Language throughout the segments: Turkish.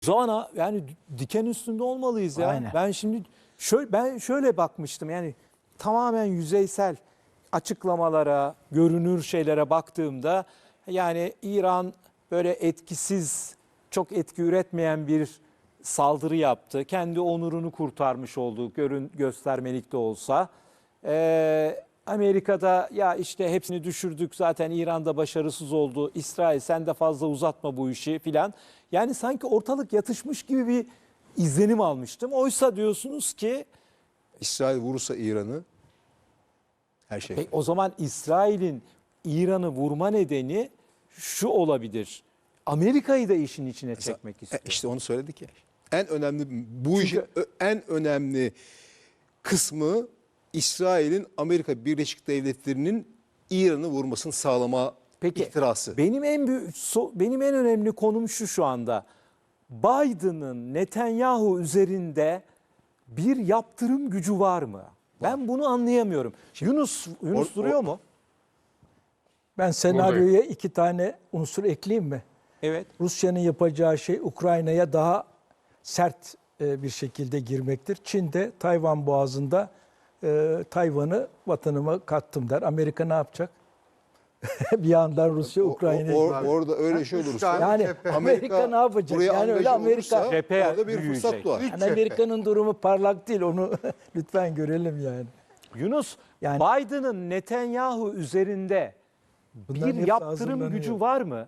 Zaman yani diken üstünde olmalıyız ya. Aynen. Ben şimdi şöyle bakmıştım, yani tamamen yüzeysel açıklamalara, görünür şeylere baktığımda yani İran böyle etkisiz, çok etki üretmeyen bir saldırı yaptı. Kendi onurunu kurtarmış oldu, göstermelik de olsa. Amerika'da ya işte hepsini düşürdük zaten, İran'da başarısız oldu. İsrail sen de fazla uzatma bu işi filan. Yani sanki ortalık yatışmış gibi bir izlenim almıştım. Oysa diyorsunuz ki İsrail vurursa İran'ı her şey. o zaman İsrail'in İran'ı vurma nedeni şu olabilir: Amerika'yı da işin içine çekmek istiyor. İşte onu söyledik ya. En önemli bu işin en önemli kısmı İsrail'in Amerika Birleşik Devletleri'nin İran'ı vurmasını sağlama ihtirası. Benim en önemli konum şu anda. Biden'ın Netanyahu üzerinde bir yaptırım gücü var mı? Ben bunu anlayamıyorum. Yunus duruyor mu? Ben senaryoya 2 tane unsur ekleyeyim mi? Evet. Rusya'nın yapacağı şey Ukrayna'ya daha sert bir şekilde girmektir. Çin de Tayvan Boğazı'nda Tayvan'ı vatanıma kattım der. Amerika ne yapacak? Bir yandan Rusya Ukrayna'yı... Orada öyle şey olursa Yani Amerika ne yapacak? buraya Yani öyle angaje Amerika... olursa Cephe orada bir fırsat büyüyecek. doğar. Yani Amerika'nın durumu parlak değil. Onu lütfen görelim yani. Yunus, Yani- Biden'ın Netanyahu üzerinde Bunların bir hepsi yaptırım hazırlanıyor. gücü var mı?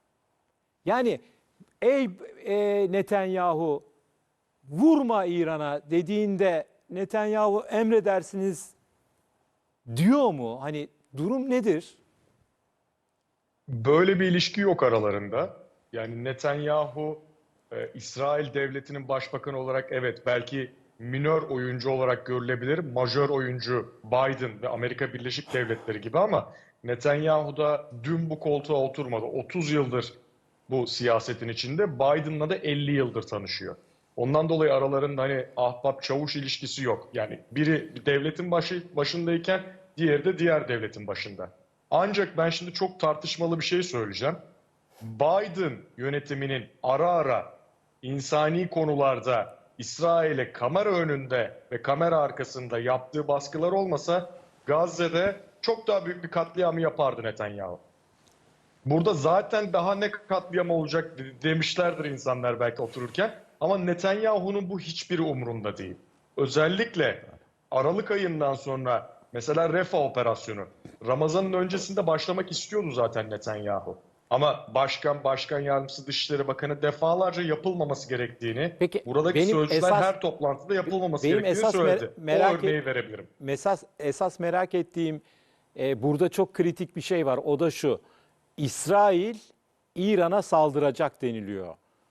Yani ey Netanyahu vurma İran'a dediğinde Netanyahu emredersiniz diyor mu? Hani durum nedir? Böyle bir ilişki yok aralarında. Yani Netanyahu, İsrail devletinin başbakanı olarak evet belki minör oyuncu olarak görülebilir. Majör oyuncu Biden ve Amerika Birleşik Devletleri gibi ama Netanyahu da dün bu koltuğa oturmadı. 30 yıldır bu siyasetin içinde. Biden'la da 50 yıldır tanışıyor. Ondan dolayı aralarında hani ahbap çavuş ilişkisi yok. Yani biri devletin başındayken diğeri de diğer devletin başında. Ancak ben şimdi çok tartışmalı bir şey söyleyeceğim. Biden yönetiminin ara ara insani konularda İsrail'e kamera önünde ve kamera arkasında yaptığı baskılar olmasa Gazze'de çok daha büyük bir katliamı yapardı Netanyahu. Burada zaten daha ne katliam olacak demişlerdir insanlar belki otururken. Ama Netanyahu'nun bu hiçbiri umurunda değil. Özellikle Aralık ayından sonra mesela Refah operasyonu Ramazan'ın öncesinde başlamak istiyordu zaten Netanyahu. Ama başkan yardımcısı Dışişleri Bakanı defalarca yapılmaması gerektiğini, Peki, buradaki benim sözcüler esas- her toplantıda yapılmaması benim gerektiğini esas söyledi. merak O örneği verebilirim. Esas merak ettiğim burada çok kritik bir şey var. O da şu: İsrail İran'a saldıracak deniliyor.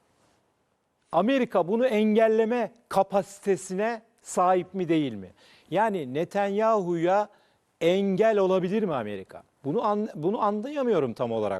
Amerika bunu engelleme kapasitesine sahip mi değil mi? Yani Netanyahu'ya engel olabilir mi Amerika? Bunu anlayamıyorum tam olarak.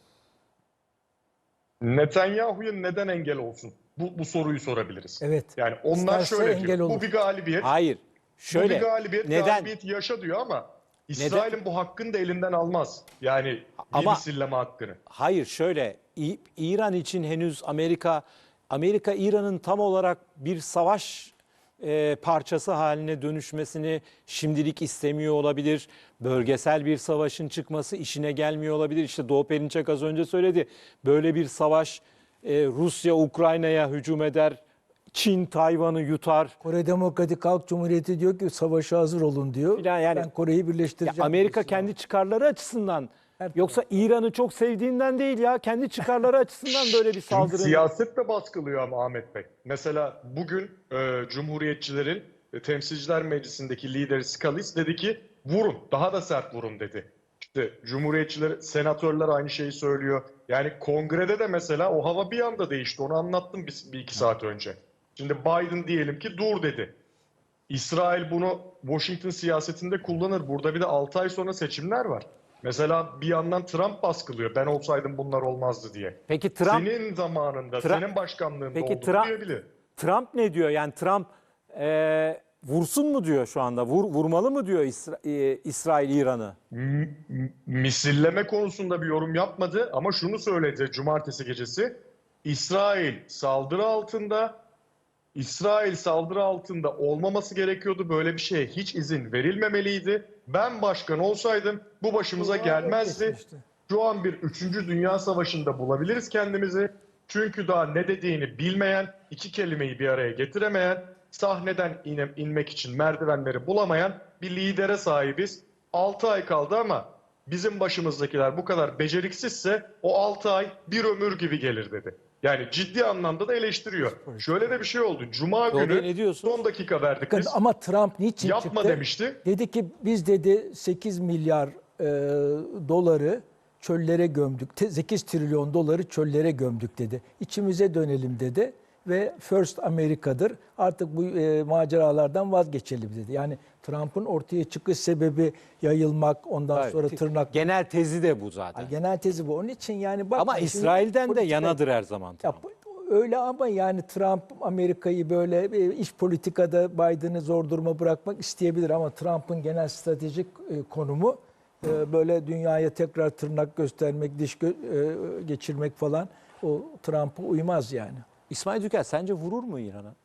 Netanyahu'ya neden engel olsun? Bu soruyu sorabiliriz. Evet. Yani onlar İsterse şöyle engel diyor. olur. Bu bir galibiyet. Hayır. Bu Şöyle. bir galibiyet, Neden? galibiyet yaşa diyor ama İsrail'in bu hakkını da elinden almaz. Yani Ama- misilleme hakkını. Hayır, şöyle. İran için henüz Amerika İran'ın tam olarak bir savaş parçası haline dönüşmesini şimdilik istemiyor olabilir. Bölgesel bir savaşın çıkması işine gelmiyor olabilir. İşte Doğu Perinçek az önce söyledi. Böyle bir savaş Rusya Ukrayna'ya hücum eder. Çin Tayvan'ı yutar. Kore Demokratik Halk Cumhuriyeti diyor ki savaşa hazır olun diyor. Filan yani- Ben Kore'yi Ya birleştireceğim. Amerika diyorsun. kendi çıkarları açısından, Her yoksa İran'ı çok sevdiğinden değil ya, kendi çıkarları açısından böyle bir Şimdi saldırı. siyaset de baskılıyor ama Ahmet Bey. Mesela bugün Cumhuriyetçilerin Temsilciler Meclisi'ndeki lideri Scalise dedi ki vurun, daha da sert vurun dedi. İşte Cumhuriyetçiler, senatörler aynı şeyi söylüyor. Yani kongrede de mesela o hava bir anda değişti. Onu anlattım bir iki saat önce. Şimdi Biden diyelim ki dur dedi. İsrail bunu Washington siyasetinde kullanır. Burada bir de 6 ay sonra seçimler var. Mesela bir yandan Trump baskılıyor. Ben olsaydım bunlar olmazdı diye. Peki Trump Senin zamanında, senin başkanlığında Peki oldu Trump- diyebilir. Trump ne diyor? Yani Trump vursun mu diyor şu anda? Vurmalı mı diyor İsrail İran'ı? Misilleme konusunda bir yorum yapmadı ama şunu söyledi cumartesi gecesi. İsrail saldırı altında. İsrail saldırı altında olmaması gerekiyordu. Böyle bir şeye hiç izin verilmemeliydi. Ben başkan olsaydım bu başımıza gelmezdi. Şu an bir 3. Dünya Savaşı'nda bulabiliriz kendimizi. Çünkü daha ne dediğini bilmeyen, iki kelimeyi bir araya getiremeyen, sahneden inmek için merdivenleri bulamayan bir lidere sahibiz. 6 ay kaldı ama bizim başımızdakiler bu kadar beceriksizse o 6 ay bir ömür gibi gelir dedi. Yani ciddi anlamda da eleştiriyor. Şöyle de bir şey oldu. Cuma Doğru, günü ne diyorsun? son dakika verdik Bakın biz. ama Trump niçin Yapma çıktı? demişti. Dedi ki biz dedi 8 milyar doları çöllere gömdük. 8 trilyon doları çöllere gömdük dedi. İçimize dönelim dedi ve First Amerika'dır. Artık bu maceralardan vazgeçelim dedi. Yani Trump'ın ortaya çıkış sebebi yayılmak, ondan Hayır, sonra tırnak. Genel tezi de bu zaten. Genel tezi bu. Onun için yani bak. Ama şimdi İsrail'den de politika- yanadır her zaman. Ya, öyle ama yani Trump Amerika'yı böyle iç politikada Biden'ı zor duruma bırakmak isteyebilir ama Trump'ın genel stratejik konumu böyle dünyaya tekrar tırnak göstermek, diş geçirmek falan o Trump'a uymaz yani. İsmail Dükel sence vurur mu İran'a?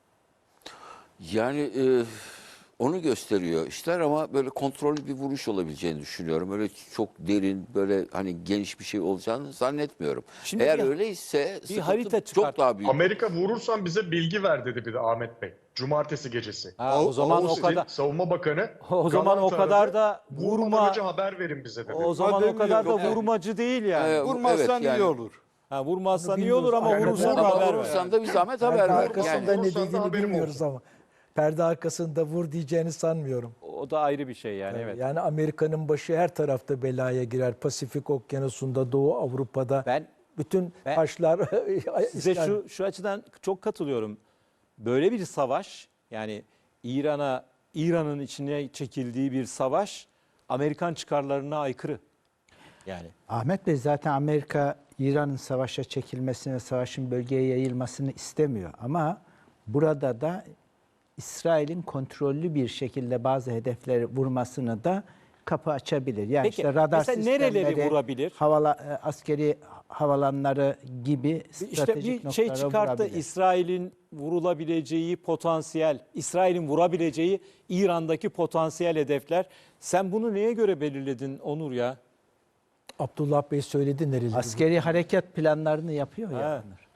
Yani onu gösteriyor işler ama böyle kontrollü bir vuruş olabileceğini düşünüyorum. Öyle çok derin, böyle hani geniş bir şey olacağını zannetmiyorum. Şimdi Eğer bir- öyleyse sıkıntı harita çok çıkart. daha büyük. Amerika vurursan bize bilgi ver dedi bir de Ahmet Bey. Cumartesi gecesi. Ha, o zaman o Austin kadar Savunma Bakanı o zaman o Galant kadar aradı. da Vurmadan önce haber verin bize dedi. o zaman o kadar da demiyorum. vurmacı değil yani. Vurmazsan evet, iyi olur. Ha, vurmazsan iyi Bilmiyoruz. olur ama Yani vurursan Ama haber ver. vurursan da bir zahmet haber Perde ver. arkasında Yani. ne Vurursan da dediğini haberim bilmiyoruz olsun. ama perde arkasında vur diyeceğini sanmıyorum. O da ayrı bir şey yani evet. Yani Amerika'nın başı her tarafta belaya girer. Pasifik Okyanusu'nda, Doğu Avrupa'da. Bütün Ben- taşlar Size İsrail- şu açıdan çok katılıyorum. Böyle bir savaş yani İran'ın içine çekildiği bir savaş Amerikan çıkarlarına aykırı. Yani Ahmet Bey zaten Amerika İran'ın savaşa çekilmesini, savaşın bölgeye yayılmasını istemiyor. Ama burada da İsrail'in kontrollü bir şekilde bazı hedefleri vurmasını da kapı açabilir. Yani Peki, işte radar mesela nereleri sistemleri, vurabilir? askeri havalanları gibi işte stratejik bir şey noktalara çıkarttı vurabilir. İsrail'in vurulabileceği potansiyel, İsrail'in vurabileceği İran'daki potansiyel hedefler. Sen bunu neye göre belirledin Onur ya? Abdullah Bey söyledi nereleri. Askeri harekat planlarını yapıyor Ha. ya bunlar.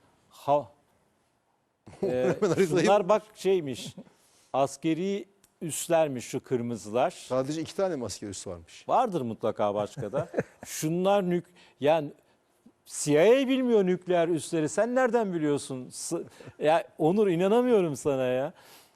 Şunlar bak şeymiş. Askeri üslermiş şu kırmızılar. Sadece 2 tane mi asker üssü varmış? Vardır mutlaka başka da. Şunlar yani CIA bilmiyor nükleer üsleri. Sen nereden biliyorsun? Ya Onur inanamıyorum sana ya.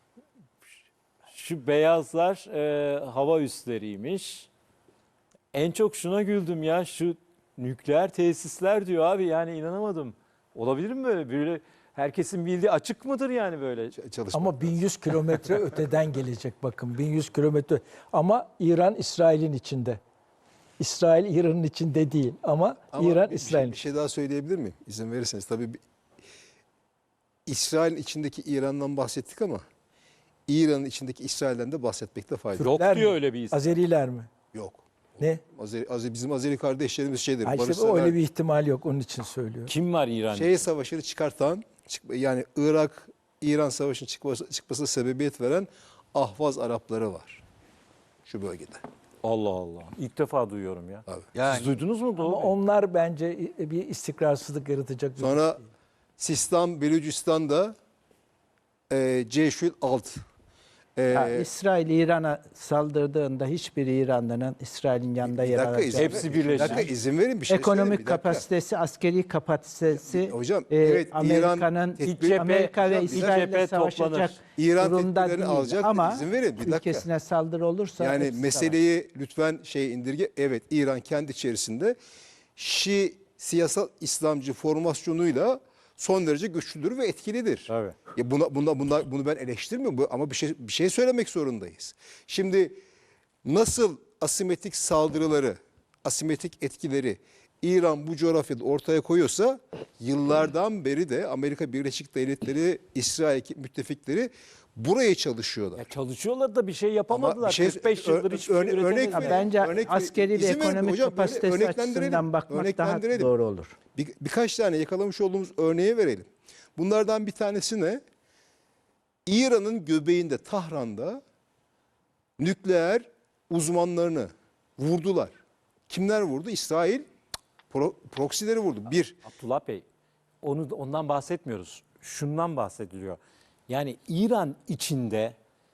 Şu beyazlar hava üsleriymiş. En çok şuna güldüm ya. Şu nükleer tesisler diyor abi. Yani inanamadım. Olabilir mi böyle? Böyle herkesin bildiği açık mıdır yani böyle? Çalışma. Ama 1100 kilometre öteden gelecek bakın. 1100 kilometre. Ama İran İsrail'in içinde. İsrail İran'ın içinde değil ama İran İsrail'in bir şey daha söyleyebilir miyim? İzin verirseniz. Tabii İsrail'in içindeki İran'dan bahsettik ama İran'ın içindeki İsrail'den de bahsetmekte fayda yok. Yok Türkler diyor mi? öyle bir isim. Azeriler mi? Yok. Ne? Bizim Azeri kardeşlerimiz şeydir. Ha işte barışsever. öyle bir ihtimal yok. Onun için söylüyorum. Kim var İran? Şehir savaşını çıkartan, yani Irak-İran savaşının çıkmasına sebebiyet veren Ahvaz Arapları var şu bölgede. Allah Allah. İlk defa duyuyorum ya. Abi. Siz duydunuz mu Ama Doğu Bey? onlar bence bir istikrarsızlık yaratacak. bir Sonra şey değil. Sistan, Belucistan'da Ceşül Alt. İsrail İran'a saldırdığında hiçbir İranlı'nın İsrail'in yanında yer alacak. Hepsi Bir birleşik. dakika izin verin bir şey söyleyeyim, Ekonomik bir dakika. kapasitesi, askeri kapasitesi Hocam, evet, Amerika'nın İran Amerika ve iç cephe İsrail'le toplanır. savaşacak İran durumda tedbirlerini değil. alacak. Ama İzin verin, bir dakika. ülkesine saldırı olursa Yani hepsi meseleyi lütfen indirge. Evet, İran kendi içerisinde Şii siyasal İslamcı formasyonuyla son derece güçlüdür ve etkilidir. Tabii. Ya bunu ben eleştirmiyorum ama bir şey söylemek zorundayız. Şimdi nasıl asimetrik saldırıları, asimetrik etkileri İran bu coğrafyada ortaya koyuyorsa yıllardan beri de Amerika Birleşik Devletleri, İsrail müttefikleri buraya çalışıyorlar. Ya çalışıyorlar da bir şey yapamadılar. Ama bir şey- 45 yıldır hiçbir şey örnek üretemediler. verin. Bence Örnek- askeri ve izin verin ekonomik hocam, kapasitesi örneklendirelim. açısından bakmak daha Örneklendirelim. doğru olur. Birkaç tane yakalamış olduğumuz örneği verelim. Bunlardan bir tanesi ne? İran'ın göbeğinde, Tahran'da nükleer uzmanlarını vurdular. Kimler vurdu? İsrail proksileri vurdu. Bir, Abdullah Bey, ondan bahsetmiyoruz. Şundan bahsediliyor. Yani İran içinde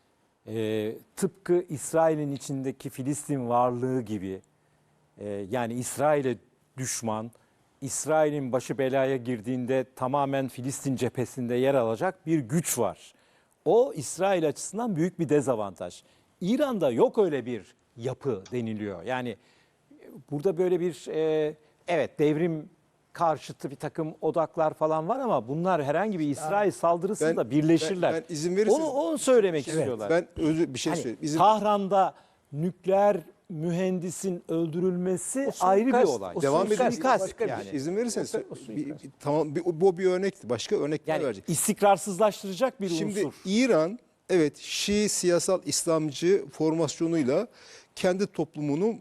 tıpkı İsrail'in içindeki Filistin varlığı gibi yani İsrail'e düşman, İsrail'in başı belaya girdiğinde tamamen Filistin cephesinde yer alacak bir güç var. O İsrail açısından büyük bir dezavantaj. İran'da yok öyle bir yapı deniliyor. Yani burada böyle bir evet devrim karşıtı bir takım odaklar falan var ama bunlar herhangi bir İsrail saldırısında birleşirler. ben izin verirseniz- Onu söylemek istiyorlar. ben bir şey Hani söyleyeyim. İzin- Tahran'da nükleer mühendisin öldürülmesi O ayrı bir suikast, olay. o Devam suikast, edin. Suikast başka bir şey. İzin verirseniz O suikast. tamam bu bir örnekti. Başka örnekler Yani verecek. istikrarsızlaştıracak bir Şimdi unsur. İran evet Şii siyasal İslamcı formasyonuyla kendi toplumunu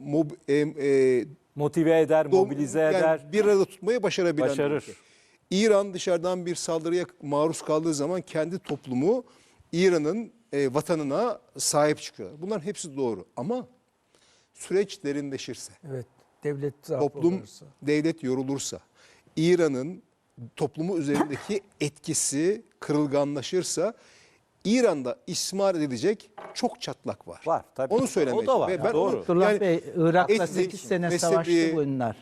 Motive eder, mobilize yani eder. bir arada tutmayı başarabilen bir Başarır. ülke. İran dışarıdan bir saldırıya maruz kaldığı zaman kendi toplumu İran'ın vatanına sahip çıkıyor. Bunların hepsi doğru ama süreç derinleşirse, Evet. Devlet zaafı toplum, olursa. devlet yorulursa, İran'ın toplumu üzerindeki etkisi kırılganlaşırsa İran'da istismar edilecek çok çatlak var. Var, tabii. Onu söylemeye O da var, çalışıyorum. Ben doğru. onu- Abdullah yani Bey, Irak'la etnik, 8 sene mezhebi, savaştı bunlar.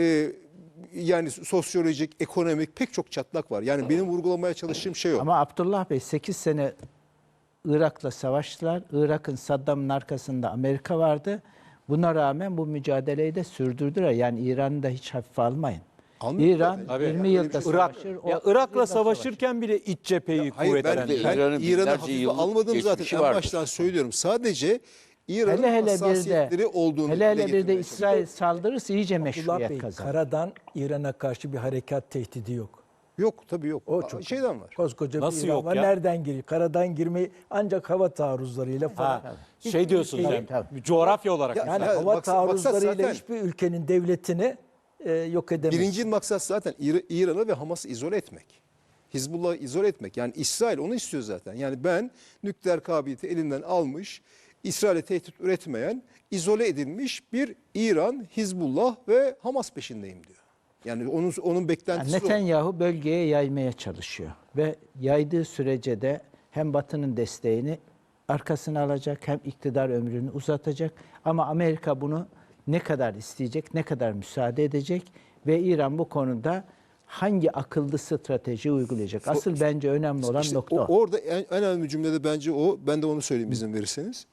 yani sosyolojik, ekonomik pek çok çatlak var. Yani benim vurgulamaya çalıştığım şey o. Ama Abdullah Bey 8 sene Irak'la savaştılar. Irak'ın Saddam'ın arkasında Amerika vardı. Buna rağmen bu mücadeleyi de sürdürdüler. Yani İran'ı da hiç hafife almayın. Anlıyorum İran tabii. Tabii. 20 yılda Irak, savaşır. ya 30 Irak'la yılda savaşırken bile iç cepheyi Hayır ben, kuvvetlendirdi. ben İran'ın İran'ı binlerce hafife yıllık almadım zaten. geçmişi En vardır. baştan söylüyorum. Sadece İran'ın Hele hele bir hassasiyetleri de olduğunu hele dile bir de getirmeye İsrail saldırırsa iyice Abdullah meşruiyet Bey, kazanır. karadan İran'a karşı bir harekat tehdidi yok. Yok tabii yok. O çok Şeyden var. Koskoca Nasıl bir İran yok var. ya? Nereden giriyor? Karadan girmeyi ancak hava taarruzlarıyla falan. Ha, şey diyorsun Tabii, sen, coğrafya olarak. Ya, Yani Ya, hava maksat taarruzlarıyla zaten- hiçbir ülkenin devletini yok edemez. Birinci maksat zaten İran'ı ve Hamas'ı izole etmek. Hizbullah'ı izole etmek. Yani İsrail onu istiyor zaten. Yani ben nükleer kabiliyeti elinden almış, İsrail'e tehdit üretmeyen, izole edilmiş bir İran, Hizbullah ve Hamas peşindeyim diyor. Yani onun Yani beklentisi o. Netanyahu bölgeye yaymaya çalışıyor ve yaydığı sürece de hem Batı'nın desteğini arkasına alacak hem iktidar ömrünü uzatacak. Ama Amerika bunu ne kadar isteyecek, ne kadar müsaade edecek ve İran bu konuda hangi akıllı strateji uygulayacak? Asıl bence önemli olan İşte nokta o. orada en önemli cümlede bence o. Ben de onu söyleyeyim izin verirseniz.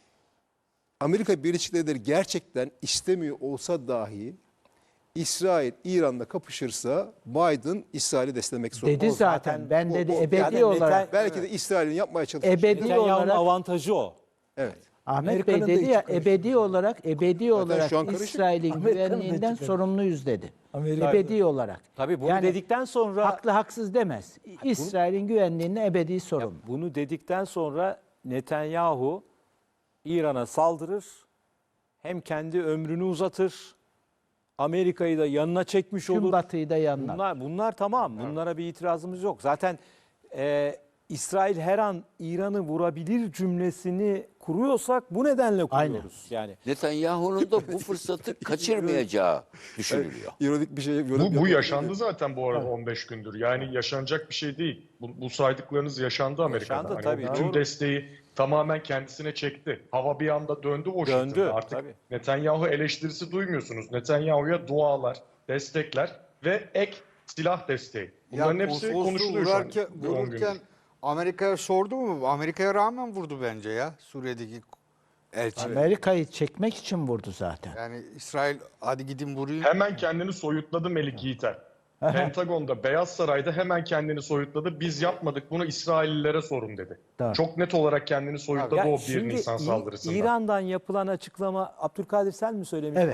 Amerika Birleşik Devletleri gerçekten istemiyor olsa dahi İsrail İran'la kapışırsa Biden İsrail'i desteklemek zorunda. Dedi zaten. Ben dedi o- ebedi yani olarak Belki de İsrail'in yapmaya çalıştığı Ebedi şey- Netanyahu'nun olarak- avantajı o. Evet. Ahmet Amerika'nın da Bey dedi içi ya karışık. ebedi olarak şu an karışık. İsrail'in Amerika'nın da güvenliğinden içi sorumluyuz dedi. Amerika- Ebedi olarak. Tabii bunu Yani dedikten sonra haklı haksız demez. İsrail'in güvenliğine ebedi sorumlu. bunu dedikten sonra Netanyahu İran'a saldırır. Hem kendi ömrünü uzatır. Amerika'yı da yanına çekmiş Tüm olur. Batı'yı da yanlar. Bunlar tamam. Bunlara bir itirazımız yok. Zaten İsrail her an İran'ı vurabilir cümlesini kuruyorsak bu nedenle kuruyoruz. Yani Netanyahu'nun da bu fırsatı kaçırmayacağı düşünülüyor. İronik bir şey. Bu yaşandı zaten bu arada 15 gündür. Yani yaşanacak bir şey değil. Bu saydıklarınız yaşandı Amerika'da. Yaşandı Hani tabii, o bütün doğru. desteği tamamen kendisine çekti. Hava bir anda döndü Washington'da. Döndü, Artık tabii. Netanyahu eleştirisi duymuyorsunuz. Netanyahu'ya dualar, destekler ve ek silah desteği. Bunların hepsi konsolosluğu konuşuluyor şu an. Bir 10 vururken gündür. Amerika'ya sordu mu? Amerika'ya rağmen vurdu bence ya Suriye'deki elçi. Amerika'yı çekmek için vurdu zaten. Yani İsrail hadi gidin vurayım. Hemen kendini soyutladı Melik Yiğiter. Pentagon'da, Beyaz Saray'da hemen kendini soyutladı. Biz yapmadık bunu İsraillilere sorun dedi. Doğru. Çok net olarak kendini soyutladı ya o 1 şimdi Nisan saldırısında. İran'dan yapılan açıklama Abdülkadir sen mi söylemiştin? Evet.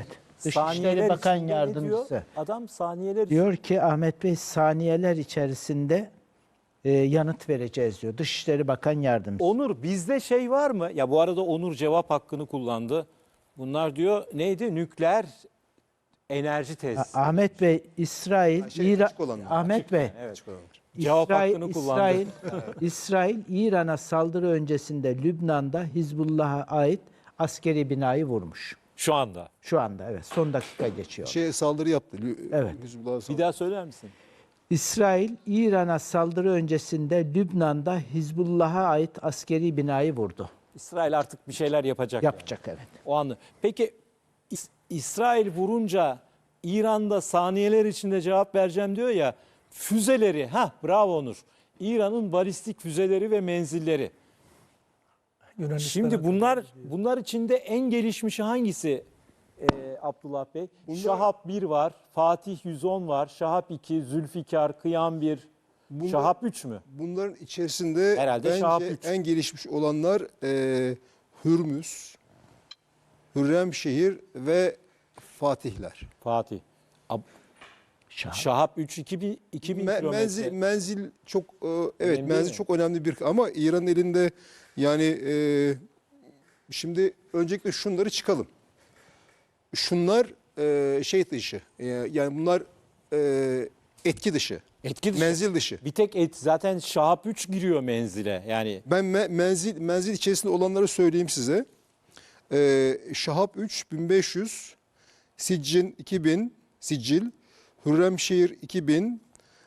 Dışişleri Bakan içinde ne diyor? Yardımcısı. Adam saniyeler Diyor ki Ahmet Bey saniyeler içerisinde yanıt vereceğiz diyor. Dışişleri Bakan Yardımcısı. Onur bizde şey var mı? Ya bu arada Onur cevap hakkını kullandı. Bunlar diyor neydi? Nükleer enerji tesisi. Ahmet Bey İsrail, İran, açık olanlar. Ahmet Bey Açık olanlar. Cevap hakkını kullandı. İsrail İran'a saldırı öncesinde Lübnan'da Hizbullah'a ait askeri binayı vurmuş. Şu anda. Şu anda evet son dakika geçiyor. Saldırı yaptı. Evet. Hizbullah'a Bir saldırı. daha söyler misin? İsrail İran'a saldırı öncesinde Lübnan'da Hizbullah'a ait askeri binayı vurdu. İsrail artık bir şeyler yapacak. Yapacak evet. O anı. Peki İsrail vurunca İran'da saniyeler içinde cevap vereceğim diyor ya. Füzeleri, bravo Onur. İran'ın balistik füzeleri ve menzilleri. Yunanistan'a Şimdi bunlar içinde en gelişmişi hangisi Abdullah Bey? Şahap 1 var, Fatih 110 var, Şahap 2, Zülfikar, Kıyam 1, Şahap 3 mü? Bunların içerisinde Herhalde Şahap bence üç. en gelişmiş olanlar Hürmüz, Hürremşehir ve Fatihler. Fatih. Şahap 3 2000 kilometre. Menzil çok evet Önemli menzil değil mi? çok önemli bir ama İran'ın elinde yani şimdi öncelikle şunları çıkalım. Şunlar şey dışı yani bunlar etki dışı. Etki dışı. Menzil dışı. Bir tek zaten Şahap 3 giriyor menzile. Yani Ben menzil içerisinde olanları söyleyeyim size. Şahap 3 1500, Siccin 2000, Sicil, Hürremşehir 2000,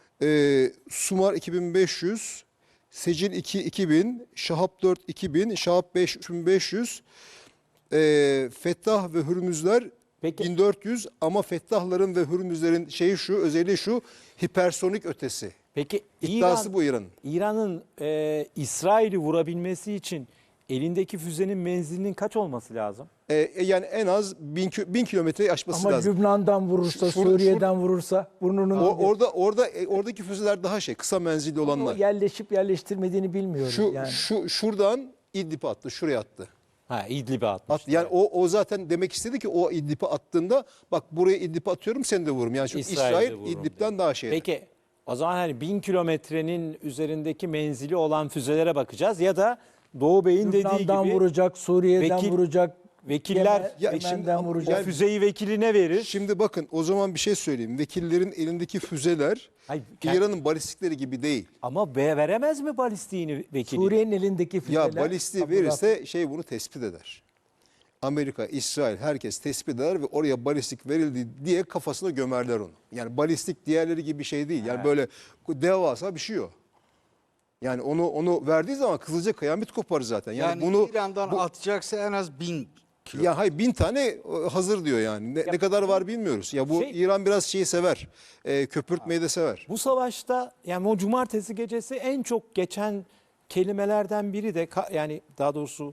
Sumar 2500, Secil 2 2000, Şahap 4 2000, Şahap 5 3500, Fettah ve Hürmüzler Peki. 1400 ama Fettahların ve Hürmüzlerin özelliği şu hipersonik ötesi. peki İddiası bu İran'ın. İran'ın İsrail'i vurabilmesi için elindeki füzenin menzilinin kaç olması lazım? Yani en az 1000 kilometreyi aşması Ama lazım. Lübnan'dan vurursa, Suriye'den vurursa burnunun Oradaki füzeler daha kısa menzilli o olanlar. yerleşip yerleştirmediğini bilmiyorum. yani. Şuradan İdlib'e attı, şuraya attı. İdlib'e atmış. Yani o zaten demek istedi ki o İdlib'e attığında bak buraya İdlib'e atıyorum seni de vururum. Yani çünkü İsrail'de İsrail vururum İdlib'den dedi. daha şey. Peki o zaman hani 1000 kilometrenin üzerindeki menzili olan füzelere bakacağız ya da Doğu Bey'in dediği Lübnan'dan gibi vuracak, Suriye'den vekil- vuracak, vekiller Yemen'den şimdi- vuracak. o füzeyi vekiline verir. Şimdi bakın o zaman bir şey söyleyeyim. Vekillerin elindeki füzeler Hayır, İran'ın balistikleri gibi değil. Ama veremez mi balistiğini vekili? Suriye'nin elindeki füzeler. Ya balistiği Abdullah verirse bunu tespit eder. Amerika, İsrail herkes tespit eder ve oraya balistik verildi diye kafasına gömerler onu. Yani balistik diğerleri gibi bir şey değil. Yani böyle devasa bir şey o. Yani onu verdiği zaman kızılca kıyamet kopar zaten. Yani, Yani bunu İran'dan atacaksa en az 1000 kilo. ya hayır 1000 tane hazır diyor yani. Ne kadar var bilmiyoruz. Ya bu İran biraz şeyi sever. Köpürtmeyi de sever. Bu savaşta yani o cumartesi gecesi en çok geçen kelimelerden biri de yani daha doğrusu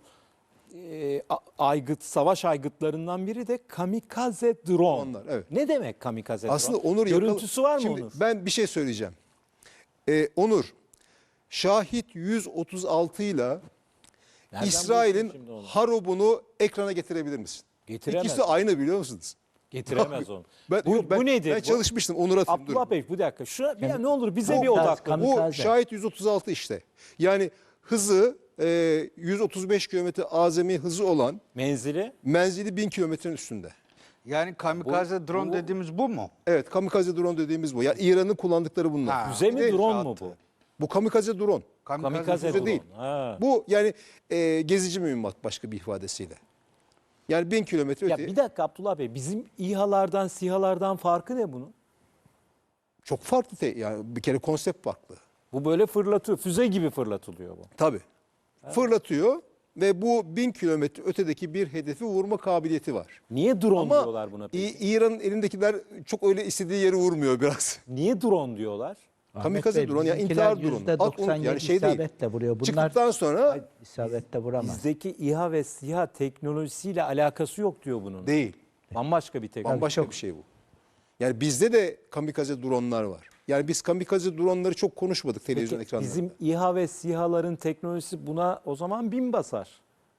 savaş aygıtlarından biri de kamikaze drone. Onlar, evet. Ne demek kamikaze Aslında drone? Onur Görüntüsü var mı Şimdi Onur? ben bir şey söyleyeceğim. Onur, Şahit 136 ile Nereden İsrail'in bulursun şimdi onu? Harob'unu ekrana getirebilir misin? Getiremez. İkisi de aynı biliyor musunuz? Getiremez onu. Bu bu nedir? Ben çalışmıştım Onur atayım. Abdullah Bey bir dakika. Ne olur bize Bu- bir odaklan. Kam- Bu Kamikaze. Şahit 136 işte. Yani hızı 135 kilometre azami hızı olan Menzili menzili 1000 kilometrenin üstünde. Yani kamikaze drone dediğimiz bu mu? Evet kamikaze drone dediğimiz bu. Yani İran'ın kullandıkları bunlar. Ha. füze mi Bir de drone mu bu? Bu kamikaze drone. Kamikaze füze drone. değil. Ha. Bu yani gezici mühimmat başka bir ifadesiyle. Yani 1000 kilometre Ya öte. bir dakika Abdullah Bey bizim İHA'lardan SİHA'lardan farkı ne bunun? Çok farklı. Yani bir kere konsept farklı. Bu böyle fırlatıyor. Füze gibi fırlatılıyor bu. Tabii. Fırlatıyor ve bu 1000 kilometre ötedeki bir hedefi vurma kabiliyeti var. Niye drone Ama diyorlar buna peki? İran'ın elindekiler çok öyle istediği yeri vurmuyor biraz. Niye drone diyorlar? Ahmet Kamikaze Bey, drone yani bizimkiler intihar drone. %97 Yani şey değil. isabetle vuruyor. Bunlar Çıktıktan sonra isabetle vuramaz. Bizdeki İHA ve SİHA teknolojisiyle alakası yok diyor bunun. değil. Bambaşka bir teknoloji. Bambaşka bir şey bu. Yani bizde de kamikaze dronlar var. Yani biz kamikaze dronları çok konuşmadık televizyon Peki, ekranlarında. bizim İHA ve SİHA'ların teknolojisi buna o zaman bin basar.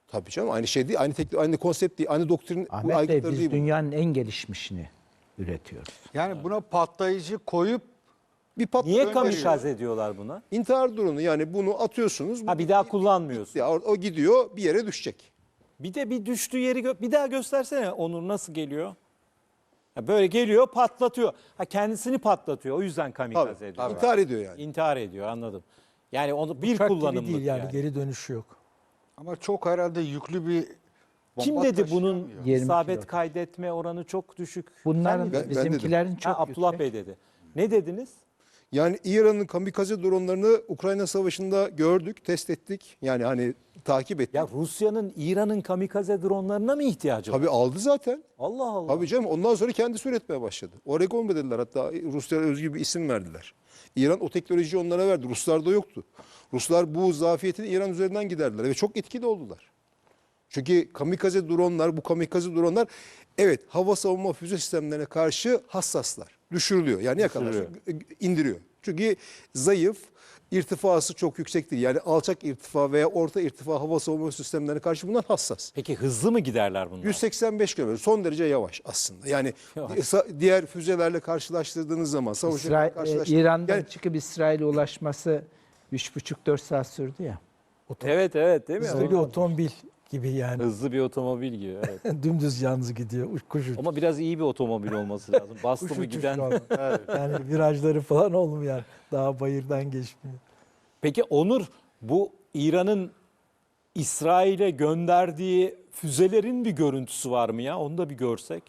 Tabii canım, aynı şey değil, aynı teknik, aynı konsept değil, aynı doktrin Ahmet Bey, aygıtları biz değil bu. dünyanın en gelişmişini üretiyoruz. Yani buna patlayıcı koyup Bir patlak Niye gönderiyor. kamikaze diyorlar buna? İntihar dronu, yani bunu atıyorsunuz. Ha, bir daha kullanmıyorsun. Ya, o gidiyor bir yere düşecek. Bir de bir düştüğü yeri bir daha göstersene Onur, nasıl geliyor? Ha, böyle geliyor, patlatıyor. Ha, kendisini patlatıyor. O yüzden kamikaze Tabii, ediyor. intihar ediyor yani. İntihar ediyor, anladım. Yani onu bir Uçak gibi kullanımlık değil yani, yani. geri dönüşü yok. ama çok herhalde yüklü bir Kim bomba dedi bunun taşıyamıyor. 20 isabet kilo. kaydetme oranı çok düşük? Bunların Sen mi dedin? bizimkilerin Ha, çok Abdullah yüksek. Bey dedi. Ne dediniz? Yani İran'ın kamikaze dronlarını Ukrayna Savaşı'nda gördük, test ettik. Yani hani takip ettik. Ya Rusya'nın İran'ın kamikaze dronlarına mı ihtiyacı var? Tabii aldı zaten. Allah Allah. Tabii canım, ondan sonra kendisi üretmeye başladı. Oregon mu dediler, hatta Ruslara özgü bir isim verdiler. İran o teknolojiyi onlara verdi. Ruslarda yoktu. Ruslar bu zafiyetini İran üzerinden giderdiler ve çok etkili oldular. Çünkü kamikaze dronlar, bu kamikaze dronlar evet hava savunma füze sistemlerine karşı hassaslar. Düşürülüyor. Yani yakalarsa indiriyor. Çünkü zayıf, irtifası çok yüksek değil. Yani alçak irtifa veya orta irtifa hava savunma sistemlerine karşı bunlar hassas. Peki hızlı mı giderler bunlar? 185 km, son derece yavaş aslında. Yani diğer füzelerle karşılaştırdığınız zaman, savaşlarla karşılaştırdığınız İran'dan yani çıkıp İsrail'e ulaşması 3,5-4 saat sürdü ya. Evet değil mi? Hızlı bir otomobil gibi yani. Hızlı bir otomobil gibi, evet. Dümdüz yalnız gidiyor. Kuş uçuşu. Ama biraz iyi bir otomobil olması lazım. Bastı Kuş mı uçuşu giden. ama. Yani virajları falan olmuyor yani. Daha bayırdan geçmiyor. Peki Onur, bu İran'ın İsrail'e gönderdiği füzelerin bir görüntüsü var mı ya? Onu da bir görsek.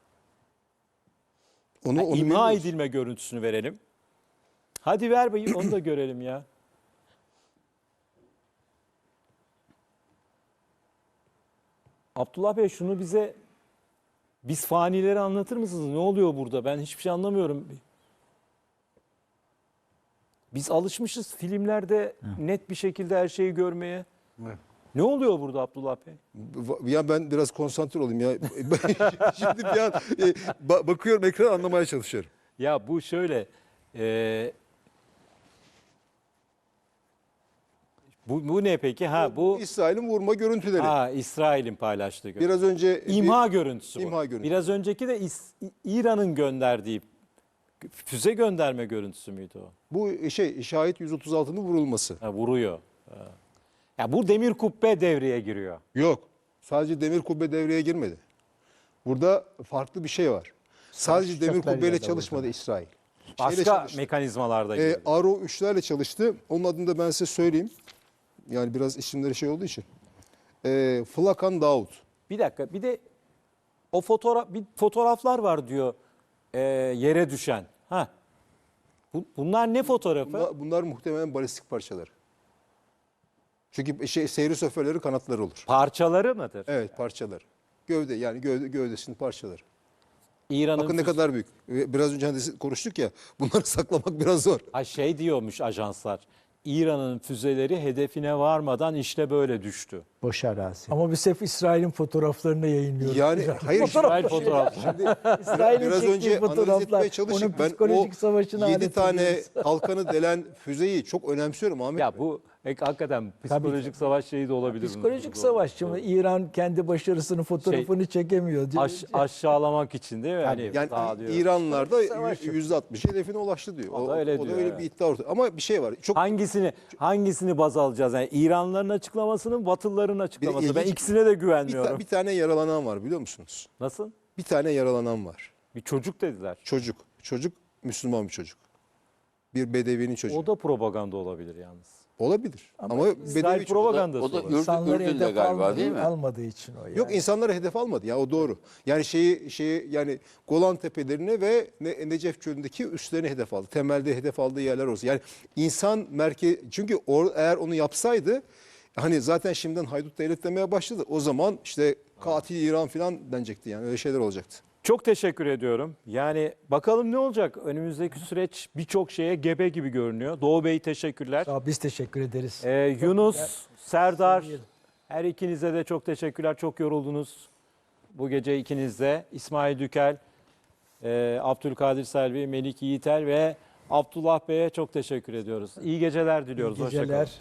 onu İmha bilmiyoruz. edilme görüntüsünü verelim. Hadi ver bayım, onu da görelim ya. Abdullah Bey, şunu bize, biz fanileri anlatır mısınız? Ne oluyor burada? Ben hiçbir şey anlamıyorum. Biz alışmışız filmlerde net bir şekilde her şeyi görmeye. Ne oluyor burada Abdullah Bey? Ya ben biraz konsantre olayım ya. Şimdi bir an bakıyorum ekran, anlamaya çalışıyorum. Ya bu şöyle, bu ne peki? Ha bu İsrail'in vurma görüntüleri. İsrail'in paylaştığı görüntü. Biraz önce İmha görüntüsü bu. İmha görüntüsü. Biraz önceki de İran'ın gönderdiği füze gönderme görüntüsü müydü o? bu şahit 136'nın vurulması. Ha, vuruyor. Ha. Ya bu demir kubbe devreye giriyor. Yok. Sadece demir kubbe devreye girmedi. Burada farklı bir şey var. Sadece demir uçaklarıyla kubbeyle da çalışmadı İsrail. Şeyle Başka çalıştı. mekanizmalarda girdi. Aro 3'lerle çalıştı. Onun adını da ben size söyleyeyim. Yani biraz isimleri şey olduğu için. Flakan Daud. Bir dakika, bir de o fotoğraflar var diyor yere düşen. Ha. Bunlar ne fotoğrafı? Bunlar muhtemelen balistik parçaları. Çünkü seyri şoförleri kanatları olur. Parçaları mıdır? Evet, parçaları. Gövde, yani gövdesinin parçaları. İran'ın Bakın ne kadar büyük. Biraz önce hani konuştuk ya, bunları saklamak biraz zor. şey diyormuş ajanslar. İran'ın füzeleri hedefine varmadan işte böyle düştü. Boş arazi. Ama biz hep İsrail'in fotoğraflarını yayınlıyoruz. Yani hayır, İsrail fotoğrafı. İsrail'in biraz çektiği önce analiz fotoğraflar, etmeye çalıştık. onun Ben o psikolojik savaşını 7 tane anlatıyoruz. kalkanı delen füzeyi çok önemsiyorum Ahmet Bey. Ya bu hakikaten psikolojik savaş şeyi de olabilir. Psikolojik savaş. Şimdi İran kendi başarısının fotoğrafını çekemiyor. Aşağılamak için değil mi? Hani Yani daha diyor. İranlılar da Savaş yok. %60 hedefine ulaştı diyor. O da öyle diyor, öyle evet. bir iddia ortada. Ama bir şey var. Çok Hangisini baz alacağız? Yani İranlıların açıklamasının, Batılıların açıklaması. Ben ilginç- ikisine de güvenmiyorum. bir tane yaralanan var, biliyor musunuz? Nasıl? Bir tane yaralanan var. Bir çocuk dediler. Çocuk Müslüman bir çocuk. Bir bedevinin çocuğu. O da propaganda olabilir yalnız. Olabilir. Ama İsrail bedevi çocuk. propagandası. O da olabilir. İnsanları Ürdün'de hedef galiba değil mi? almadığı için o yani. Yok, insanları hedef almadı ya, o doğru. Yani yani Golan Tepelerine ve Necef Çölü'ndeki üslerini hedef aldı. Temelde hedef aldığı yerler orası. Yani insan çünkü eğer onu yapsaydı, hani zaten şimdiden haydut devlet demeye başladı. O zaman işte katil İran falan denecekti, yani öyle şeyler olacaktı. Çok teşekkür ediyorum. Yani bakalım ne olacak? Önümüzdeki süreç birçok şeye gebe gibi görünüyor. Doğu Bey teşekkürler. Sağ ol, biz teşekkür ederiz. Yunus, Serdar, her ikinize de çok teşekkürler. Çok yoruldunuz bu gece ikiniz de. İsmail Dükel, Abdülkadir Selvi, Melik Yiğitel ve Abdullah Bey'e çok teşekkür ediyoruz. İyi geceler diliyoruz. İyi Hoşça kalın. geceler.